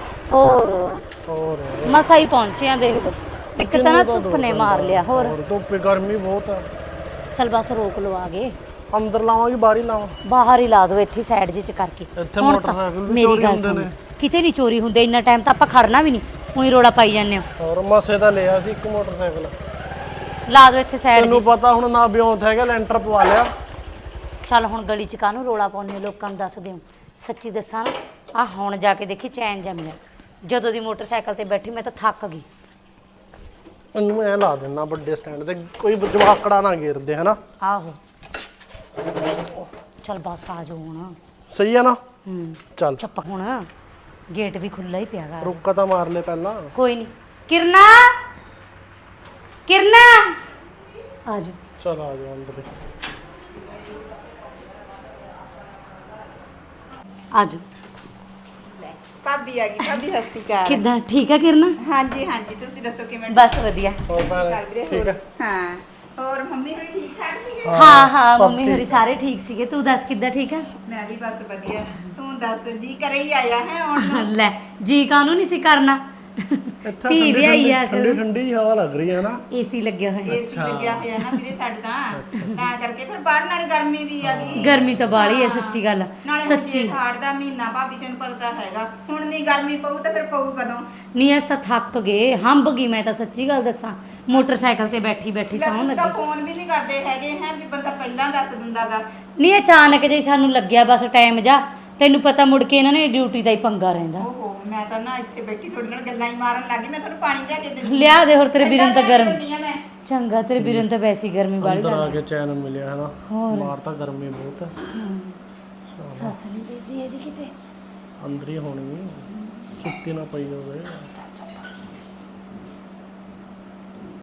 S3: ਹੋਰ ਮਸਾ ਹੀ ਪਹੁੰਚੇ ਆ, ਦੇਖ ਲਓ। ਇੱਕ ਤਾਂ ਨਾ ਧੁੱਪ ਨੇ ਮਾਰ ਲਿਆ। ਹੋਰ
S2: ਧੁੱਪੇ ਗਰਮੀ ਬਹੁਤ ਆ।
S3: ਚਲ ਬਸ ਰੋਕ ਲਓ, ਆ ਗਏ।
S2: ਅੰਦਰ ਲਾਵਾਂ ਕਿ ਬਾਹਰ ਹੀ ਲਾਵਾਂ?
S3: ਬਾਹਰ ਹੀ ਲਾ ਦਿਓ, ਇੱਥੇ ਸਾਈਡ ਜਿਹੀ ਚ ਕਰਕੇ।
S2: ਇੱਥੇ
S3: ਹੁਣ ਤਾਂ
S2: ਮੋਟਰਸਾਈਕਲ ਵੀ
S3: ਮੇਰੀ
S2: ਚੋਰੀ
S3: ਗੱਲ
S2: ਹੁੰਦੇ
S3: ਸੁਣ,
S2: ਨੇ।
S3: ਕਿਤੇ ਨਹੀਂ ਚੋਰੀ ਹੁੰਦੇ, ਇੰਨਾ ਟਾਈਮ ਤਾਂ ਆਪਾਂ ਖੜਨਾ ਵੀ ਨਹੀਂ, ਉਹੀ ਰੋਲਾ ਪਾਈ ਜਾਂਦੇ ਹੋ।
S2: ਹੋਰ ਮਸੇ ਤਾਂ ਲਿਆ ਸੀ ਇੱਕ ਮੋਟਰਸਾਈਕਲ।
S3: ਲਾ ਦਿਓ ਇੱਥੇ ਸਾਈਡ
S2: ਤੈਨੂੰ
S3: ਜੀ।
S2: ਪਤਾ ਹੁਣ ਨਾ ਬਿਉਂਤ ਹੈਗਾ, ਲੈਂਟਰ ਪਵਾ ਲਿਆ।
S3: ਚੱਲ ਹੁਣ ਗਲੀ ਚ ਕਾਹਨੂੰ ਰੋਲਾ ਪਾਉਂਦੇ ਹੋ, ਲੋਕਾਂ ਨੂੰ ਦੱਸ ਦਿਓ। ਸੱਚੀ ਦੱਸਾਂ ਨਾ, ਆ ਹੁਣ ਜਾ ਕੇ ਦੇਖੀ ਚੈਨ ਜੰਮਿਆ। ਜਦੋਂ ਦੀ ਮੋਟਰਸਾਈਕਲ ਤੇ ਬੈਠੀ ਮੈਂ ਤਾਂ ਥੱਕ ਗਈ।
S2: ਇਹਨੂੰ ਐ ਲਾ ਦੇਣਾ ਵੱਡੇ ਸਟੈਂਡ ਤੇ, ਕੋਈ ਜਵਾਕੜਾ ਨਾ ਘੇਰਦੇ ਹਨਾ।
S3: ਆਹੋ ਚੱਲ ਬਸ ਆ ਜਾਓ ਹੁਣ।
S2: ਸਹੀ ਆ ਨਾ? ਚੱਲ
S3: ਚੁੱਪ ਹੁਣ, ਗੇਟ ਵੀ ਖੁੱਲਾ ਹੀ ਪਿਆਗਾ।
S2: ਰੁੱਕਾ ਤਾਂ ਮਾਰ ਲੈ ਪਹਿਲਾਂ।
S3: ਕੋਈ ਨਹੀਂ। ਕਿਰਨਾ ਕਿਰਨਾ ਆ ਜਾਓ।
S2: ਚਲ ਆ ਜਾ ਅੰਦਰ।
S3: ਆ ਜਾਓ।
S6: ਭਾਬੀ ਆ ਗਈ। ਭਾਬੀ ਸਤਿ ਸ਼੍ਰੀ ਅਕਾਲ।
S3: ਕਿੱਦਾਂ, ਠੀਕ ਆ ਕਿਰਨਾ?
S6: ਹਾਂਜੀ ਤੁਸੀਂ ਦੱਸੋ ਕਿਵੇਂ?
S3: ਬਸ ਵਧੀਆ।
S2: ਹੋਰ ਭੈਣ
S6: ਕਰ ਵੀਰੇ,
S2: ਠੀਕ ਹੈ?
S6: ਹਾਂ ਹੋਰ ਮੰਮੀ ਹੋਣੀ ਠੀਕ ਠਾਕ ਸੀਗੇ?
S3: ਹਾਂ ਮੰਮੀ ਹੋਰੀ ਸਾਰੇ ਠੀਕ ਸੀਗੇ। ਤੂੰ ਦੱਸ ਕਿੱਦਾਂ, ਠੀਕ ਆ?
S6: ਮੈਂ ਵੀ ਬਸ ਵਧੀਆ। ਤੂੰ ਦੱਸ, ਜੀ ਕਰੇ ਹੀ ਆਇਆ ਹੈ ਹੁਣ?
S3: ਲੈ ਜੀ ਕਾਹਨੂੰ ਨਹੀਂ ਸੀ ਕਰਨਾ, ਧੀ ਵੀ ਆਈ ਆ।
S2: ਠੰਡੀ ਠੰਡੀ ਹਵਾ ਲੱਗ ਰਹੀ ਹੈ ਨਾ।
S3: ਏਸੀ ਲੱਗਿਆ ਹੋਇਆ।
S6: ਏਸੀ ਲੱਗਿਆ ਹੋਇਆ ਨਾ ਵੀਰੇ ਸਾਡੇ ਤਾਂ ਕਰਕੇ ਫਿਰ ਬਾਹਰ ਨਾਲ ਗਰਮੀ ਵੀ ਆ ਗਈ।
S3: ਗਰਮੀ ਤਾਂ ਬਾਹਲੀ ਹੈ, ਸੱਚੀ ਗੱਲ।
S6: ਨਾਲੇ
S3: ਸੱਚੀ
S6: ਹਾੜ ਦਾ ਮਹੀਨਾ ਭਾਬੀ ਤੈਨੂੰ ਪਤਾ ਹੈਗਾ, ਹੁਣ ਨਹੀਂ ਗਰਮੀ ਪਊ ਤਾਂ ਫਿਰ ਪਊ ਕਦੋਂ?
S3: ਨਹੀਂ ਅਸ ਤਾਂ ਥੱਕ ਗਏ, ਹੰਬ ਗਈ ਮੈਂ ਤਾਂ, ਸੱਚੀ ਗੱਲ ਦੱਸਾਂ। ਮੋਟਰਸਾਈਕਲ ਤੇ ਬੈਠੀ ਸੌਂ
S6: ਲੈ
S3: ਲੱਗੀ।
S6: ਫੋਨ ਵੀ ਨਹੀਂ ਕਰਦੇ ਹੈਗੇ ਹੈ ਵੀ ਬੰਦਾ ਪਹਿਲਾਂ ਦੱਸ ਦਿੰਦਾਗਾ।
S3: ਨਹੀਂ ਅਚਾਨਕ ਜੇ ਸਾਨੂੰ ਲੱਗਿਆ ਬਸ ਟਾਈਮ ਜਾ, ਤੈਨੂੰ ਪਤਾ ਮੁੜ ਕੇ ਇਹਨਾਂ ਨੇ ਡਿਊਟੀ ਦਾ ਹੀ ਪੰਗਾ ਰਹਿੰਦਾ।
S6: ਓਹੋ ਮੈਂ ਤਾਂ ਨਾ ਇੱਥੇ ਬੈਠੀ ਤੁਹਾਡੇ ਨਾਲ ਗੱਲਾਂ ਹੀ ਮਾਰਨ ਲੱਗੀ। ਮੈਂ ਤੁਹਾਨੂੰ ਪਾਣੀ ਲਿਆ ਕੇ ਦਿੰਦੀ
S3: ਲਿਆ ਦੇ ਹੋਰ ਤੇਰੇ ਵੀਰਾਂ ਨੂੰ ਤਾਂ ਗਰਮ
S6: ਮੈਂ
S3: ਚੰਗਾ ਤੇਰੇ ਵੀਰਾਂ ਨੂੰ ਤਾਂ ਵੈਸੀ ਗਰਮੀ ਵਾਲੀ
S2: ਅੰਦਰ ਆ ਕੇ ਚੈਨ ਮਿਲਿਆ ਹੈ ਨਾ, ਬਾਹਰ ਤਾਂ ਗਰਮੀ ਬਹੁਤ ਹੈ।
S3: ਸੱਸ ਨਹੀਂ ਦੇਦੀ ਇਹਦੀ ਕਿਤੇ
S2: ਅੰਦਰ ਹੀ ਹੋਣੀ, ਸੁੱਤੀ ਨਾ ਪਈ ਹੋਵੇ।